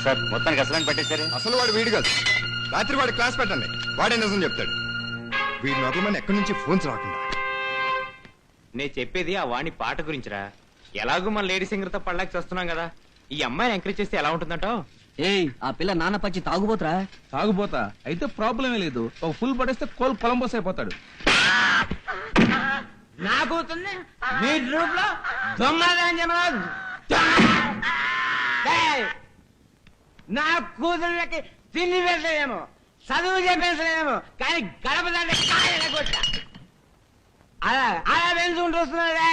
Sir మొత్తానికి అసలు పట్టేశారు. అసలు వాడు వీడు కాదు. రాత్రి వాడి క్లాస్ పెట్టండి, వాడే నిజం చెప్తాడు. వీడి నోట్లమని ఎక్కడి నుంచి ఫోన్స్ రాకుండా. నేను చెప్పేది ఆ వాణి పాట గురించిరా. ఎలాగూ మన లేడీ సింగర్ తో పడలేక చేస్తున్నాం కదా, ఈ అమ్మాయిని ఎంకరేజ్ చేస్తే ఎలా ఉంటుందంటావు? ఏయ్ ఆ పిల్ల నాన్న పచ్చి తాగుపోతురా. తాగుపోతా అయితే ప్రాబ్లమే లేదు. ఒక ఫుల్ పడేస్తే కొలంబస్ అయిపోతాడు. నా కూతుర్ని మీ గ్రూప్ లో దొంగ నా కూతుర్లకి తిండి పెంచలేమో, చదువు చెప్పేసలేమో, కానీ గడప దాన్ని కొట్టా అలా అలా పెంచుకుంటూ వస్తున్నాడే.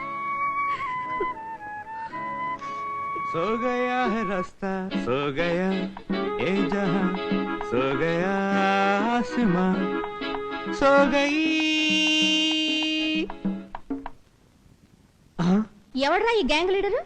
సో గయా హై రాస్తా సో గయా ఏ జహాं సో గయా ఆస్మాं సో గయీ. ఎవడ్రా ఈ గ్యాంగ్ లీడరు?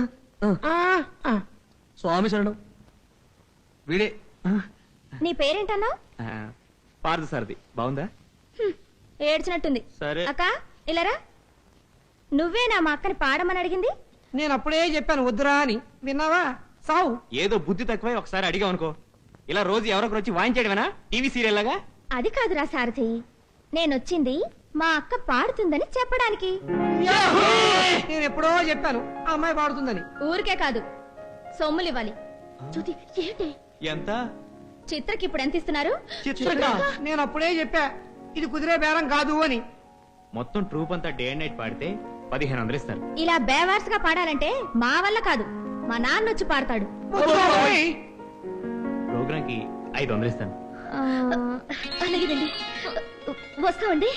స్వామి శరణం. వీడే నీ పేరేంటన్నావు? పార్దు సార్ది బాగుందా? ఏడ్చినట్టుంది. సరే. అక్క ఇలారా. నువ్వేనా మా అక్కని పాడమని అడిగింది? నేను అప్పుడే చెప్పాను వద్దురా అని, విన్నావా? సావు. ఏదో బుద్ధి తక్కువై ఒకసారి అడిగా అనుకో, ఇలా రోజు ఎవరొకరు వచ్చి వాయించేయడమేనా టీవీ సీరియల్ లాగా? అది కాదురా సారథి, నేనొచ్చింది మా అక్క పాడుతుందని చెప్పడానికి. నేను ఎప్పుడో చెప్పాను ఆ అమ్మాయి పాడుతుందని. ఊరికే కాదు, సొమ్ములివ్వాలి. జ్యోతి ఏంటి? ఎంత? చిత్రకి ఇప్పుడు ఎంత ఇస్తున్నారు? చిత్రకా? నేను అప్పుడే చెప్పా ఇది కుదిరే బేరం కాదు అని. మొత్తం ట్రూప్ అంతా డే అండ్ నైట్ పాడితే 1500 ఇస్తారు. ఇలా బేవార్స్ గా పాడాలంటే మా వల్ల కాదు, మా నాన్న వచ్చి పాడతాడు. ప్రోగ్రామ్ కి 500 ఇస్తాను. అలాగేదండి, వస్తామండి.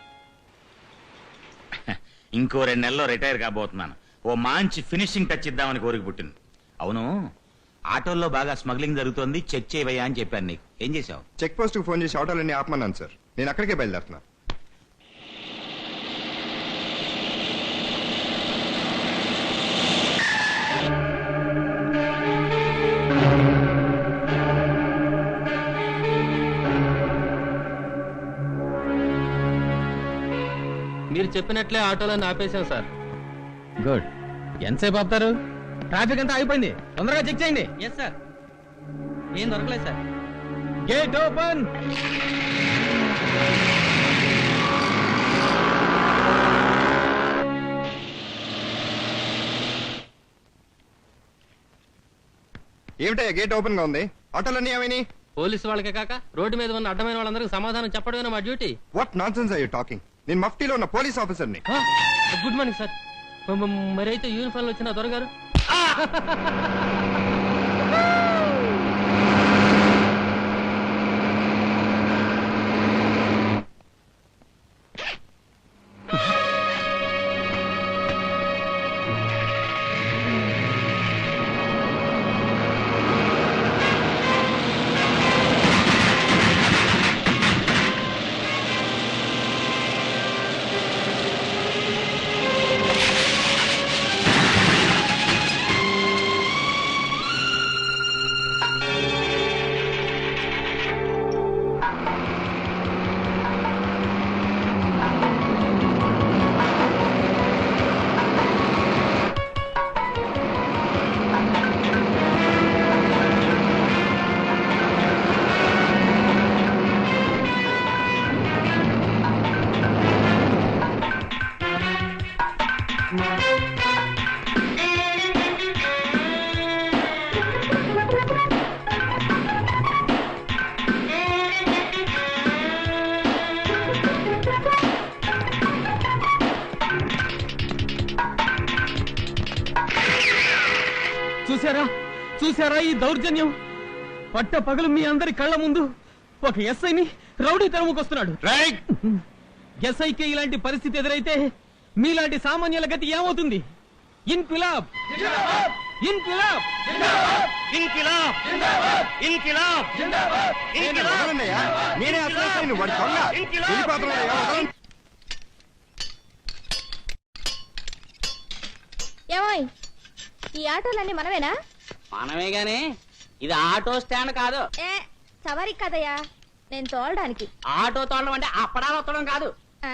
ఇంకో 2 నెలల్లో రిటైర్ కాబోతున్నాను. ఓ మంచి ఫినిషింగ్ టచ్ ఇద్దామని కోరిక పుట్టింది. అవును, ఆటోల్లో బాగా స్మగ్లింగ్ జరుగుతోంది, చెక్ చేయవయ్యా అని చెప్పాను నీకు. ఏం చేసావు? చెక్ పోస్ట్ కు ఫోన్ చేసి ఆటోలన్నీ ఆపమన్నాను సార్. నేను అక్కడికే బయలుదేరుతున్నా. మీరు చెప్పినట్లే ఆటోలను ఆపేశాం సార్. గుడ్. ఎంతసేపు ఆపుతారు? ట్రాఫిక్ అంతా అయిపోయింది, తొందరగా చెక్ చేయండి. Yes sir. ఏం దొరకలేదు సార్. Gate open. ఏమిటయ్యా గేట్ ఓపెన్ గా ఉంది? ఆటోలన్నీ ఏమైనాయి? పోలీసు వాళ్ళకే కాక రోడ్డు మీద ఉన్న అడ్డమైన వాళ్ళందరికీ సమాధానం చెప్పడమే మా duty. What nonsense are you talking? నేను మఫ్టీలో ఉన్న పోలీస్ ఆఫీసర్ని. Good morning sir. మరి అయితే యూనిఫామ్ లో వచ్చిన దొరగారు. చూసారా చూసారా ఈ దౌర్జన్యం? పట్ట పగలు మీ అందరి కళ్ళ ముందు ఒక ఎస్ఐని రౌడీ తరుముకొస్తున్నాడు. ఎస్ఐకి ఇలాంటి పరిస్థితి ఎదురైతే మీలాంటి సామాన్యుల గతి ఏమవుతుంది? ఇన్కిలాబ్ ఇన్కిలాబ్ ఇన్కిలాబ్ ఇన్కిలాబ్ నేనే అసలు వాడి దొంగ. వెళ్ళిపోతున్నాడయ్యా, వదలండి. ఏమోయ్, ఈ ఆటోలన్నీ మనమేనా? మనమే గాని ఇది ఆటో స్టాండ్ కాదు. ఏ సవారీ కదయ్యా, నేను తోలడానికి. ఆటో తోలడం అంటే అప్పడాలు వత్తడం కాదు. ఆ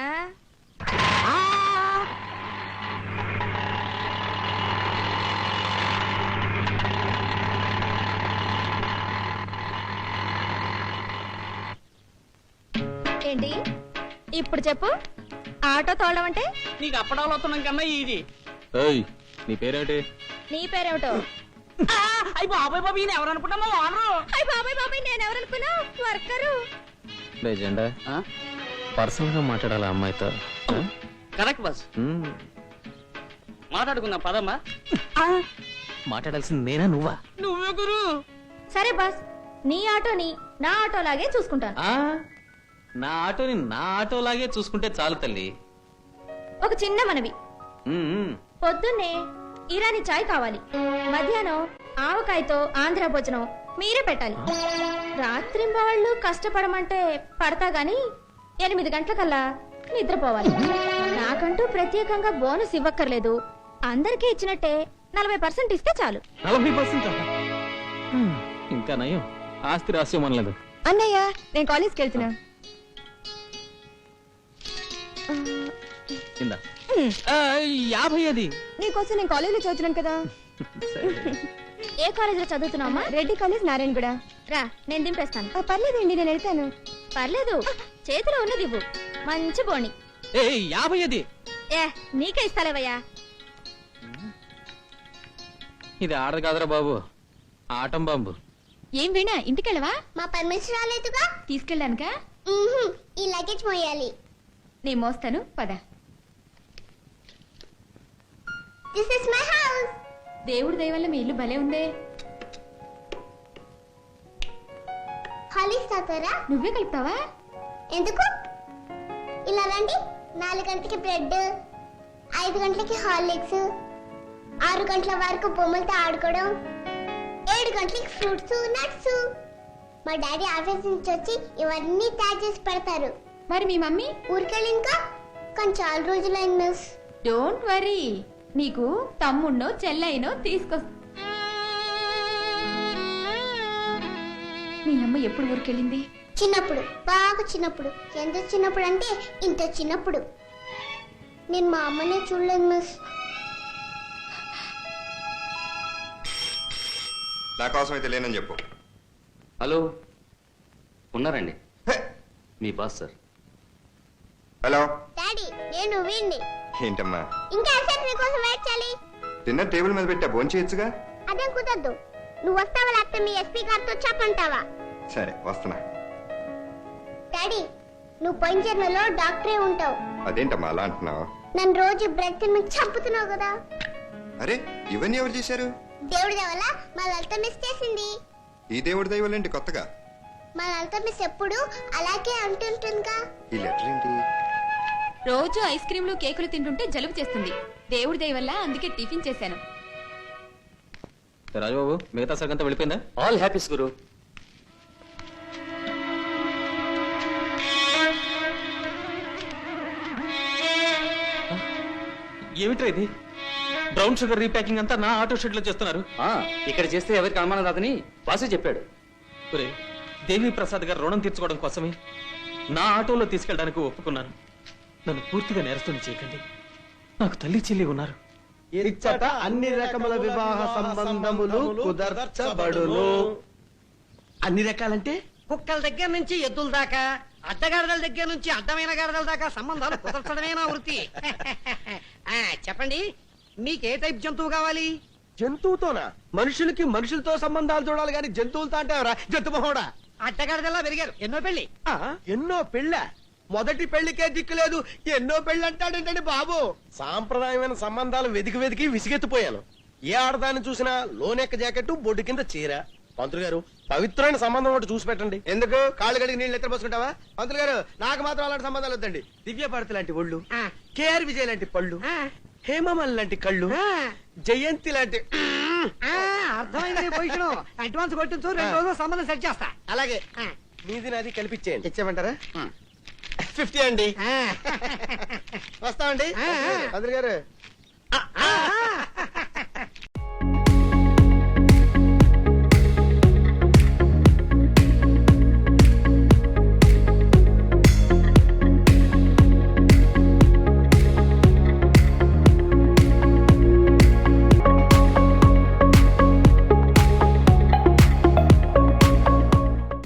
ఏంటి ఇప్పుడు చెప్పు, ఆటో తోలడం అంటే? నీకు అప్పడాలు వస్తున్నాం కన్నా ఇది ఏయ్ నీ పేరేంటి? నీ పేరేమిటో? అయ్యి బాబాయ్ బాబు ఈయన ఎవరు అనుకుంటామో వానరు అయ్ బాబాయ్ బాబాయ్, నేను ఎవరనుకున్నా? వర్కరు. జెండా పర్సనల్ గా మాట్లాడాలి అమ్మాయితో కరెక్ట్ బాస్ మాట్లాడుకుందాం పదమ్మా. మాట్లాడాల్సింది నేనా నువ్వా? నువ్వే గురు. సరే బాస్, నీ ఆటోని నా ఆటోలాగే చూసుకుంటాను. నా ఆటోని నా ఆటోలాగే చూసుకుంటే చాలు తల్లి. ఒక చిన్న మనవి, పొద్దున్నే ఇరానీ చాయ్ కావాలి, మధ్యాహ్నం ఆవకాయతో ఆంధ్ర భోజనం మీరే పెట్టాలి. రాత్రింబవళ్ళు కష్టపడమంటే పడతా గాని 8 గంటలకల్లా నిద్రపోవాలి. నాకంటూ ప్రత్యేకంగా బోనస్ ఇవ్వక్కర్లేదు, అందరికీ ఇచ్చినట్టే 40% ఇస్తే చాలు. 40%? ఇంకా నయం, ఆస్తి రాస్యం అనలేదు. అన్నయ్య, నేను కాలేజ్కి వెళ్తున్నా. ఇందా 50 అది. నీకోసం నేను కాలేజీలో చదువుతున్నాను కదా. ఏ కాలేజీలో చదువుతున్నావమ్మా? రెడ్డి కాలేజ్, నారాయణగూడ. రా, నేను దింపేస్తాను. పర్లేదండి, నేను వెళ్తాను. పర్లేదు, చేతిలో ఉన్నది ఇవ్వు. మంచి బోణి. 50 అది. ఏ, నీకే ఇస్తాలేవయ్యా. ఇది ఆడదు కాదురా బాబు, ఆటం బాంబు. ఏం వీణా, ఇంటికెళ్ళవా? మా పర్మిషన్ రాలేదుగా. తీసుకెళ్ళానుకా? ఈ లగేజ్ మోయాలి. నేను మోస్తాను, పద. This is my house. దేవుడి దయ వల్ల మీ ఇల్లు భలే ఉందే. హాలిక్స్ తాతారా? నువ్వే కలుపుతావా? ఎందుకు? ఇలా రండి. 4 గంటలకి బ్రెడ్, 5 గంటలకి హార్లిక్స్, 6 గంటల వరకు బొమ్మలతో ఆడుకోవడం, 7 గంటలకి ఫ్రూట్స్, నట్స్. మా డాడీ ఆఫీస్ నుంచి వచ్చి ఇవన్నీ తయారు చేసి పెడతారు. మరి మీ మమ్మీ? ఊరికెళ్ళి ఇంకా కానీ చాలా రోజులైంది మిస్. డోంట్ వరీ, నీకు తమ్ముణ్ణో చెల్లైనో తీసుకొస్తా. మీ అమ్మ ఎప్పుడు ఊరికెళ్ళింది? చిన్నప్పుడు, బాగా చిన్నప్పుడు. ఎంత చిన్నప్పుడు అంటే ఇంత చిన్నప్పుడు. నేను మా అమ్మనే చూడలేదు మిస్. నా కోసం అయితే లేనని చెప్పు. హలో ఉన్నారండి, హే! మీ బాస్ సార్. హలో. డాడీ, నేను వీణ్ణి. ఏంటమ్మా? ఇంకా ఎంతసేపు నీకోసం వెయిట్ చేయాలి? డిన్నర్ టేబుల్ మీద పెట్టా, భోంచేయచ్చుగా. అదేం కుదరదు. నువ్వు వస్తావా లేకపోతే మీ ఎస్పీ గారితో చెప్పంటావా? సరే వస్తున్నా. డాడీ, నువ్వు పోయిన జన్మలో డాక్టరే ఉంటావు. అదేంటమ్మా అలా అంటున్నావు? నన్ను రోజు బ్రెడ్ తిని చంపుతున్నావు కదా. అరే ఇవన్నీ ఎవరు చేశారు? దేవుడి వల్ల మా లలిత మిస్ చేసింది. ఈ దేవుడి దైవాలేంటి కొత్తగా? మా లలిత మిస్ ఎప్పుడు అలాగే అంటుంటుందిగా. ఈ లెటర్ ఏంటి? రోజు ఐస్ క్రీమ్లు కేకులు తింటుంటే జలుబు చేస్తుంది. దేవుడి దయ వల్ల అందుకే టిఫిన్ చేశాను. రాజుబాబు మిగతా సగంతా వెళ్ళిపోయిందా? ఆల్ హ్యాపీస్ గురు. ఏమిట్రా ఇది? బ్రౌన్ షుగర్ రీప్యాకింగ్ అంతా నా ఆటో షెడ్ లో చేస్తున్నారు. ఇక్కడ చేస్తే ఎవరికి అనుమానం రాదని బాసే చెప్పాడు. ఒరే, దేవి ప్రసాద్ గారు రుణం తీర్చుకోవడం కోసమే నా ఆటోలో తీసుకెళ్ళడానికి ఒప్పుకున్నాను. నన్ను పూర్తిగా నేరస్తుని చేయకండి. నాకు తల్లి చెల్లి ఉన్నారు. ఇచ్చట అన్ని రకముల వివాహ సంబంధములు కుదర్చబడును. అన్ని రకాలంటే కుక్కల దగ్గర నుంచి ఎద్దుల దాకా, అడ్డగాడిదల దగ్గర నుంచి అడ్డమైన గాడిదల దాకా సంబంధాలు కుదర్చడమే నా వృత్తి. చెప్పండి, మీకే టైప్ జంతువు కావాలి? జంతువుతోనా? మనుషులకి మనుషులతో సంబంధాలు చూడాలి గాని జంతువులతో అంటే జంతు మహోడా. అడ్డగాడిదల్లా పెరిగారు. ఎన్నో పెళ్లి. ఎన్నో పెళ్ళ? మొదటి పెళ్లికే దిక్కు లేదు, ఎన్నో పెళ్లి అంటాడేంటండి బాబు. సాంప్రదాయమైన సంబంధాలు వెతికి వెతికి విసిగెత్తిపోయాను. ఏ ఆడదాన్ని చూసినా లోనెక్క జాకెట్, బొడ్డు కింద చీర. పంతులు గారు, పవిత్రమైన సంబంధం ఒకటి చూసి పెట్టండి. ఎందుకు కాళ్ళు గడికి నీళ్ళు ఎత్తర పోసుకుంటావా? పంతులు గారు, నాకు మాత్రం అలాంటి సంబంధాలు వద్దండి. దివ్య భారతి లాంటి ఒళ్ళు, కేఆర్ విజయ్ లాంటి పళ్ళు, హేమమల్ లాంటి కళ్ళు, జయంతి లాంటి. అర్థమైంది పొజిషన్. అడ్వాన్స్ కొట్టించు, 2 రోజులు సంబంధం సెట్ చేస్తా. అలాగే మీది నాది కల్పించేయండి. ఇచ్చేయమంటారా? 50 అండి. వస్తామండి పంతులు గారు.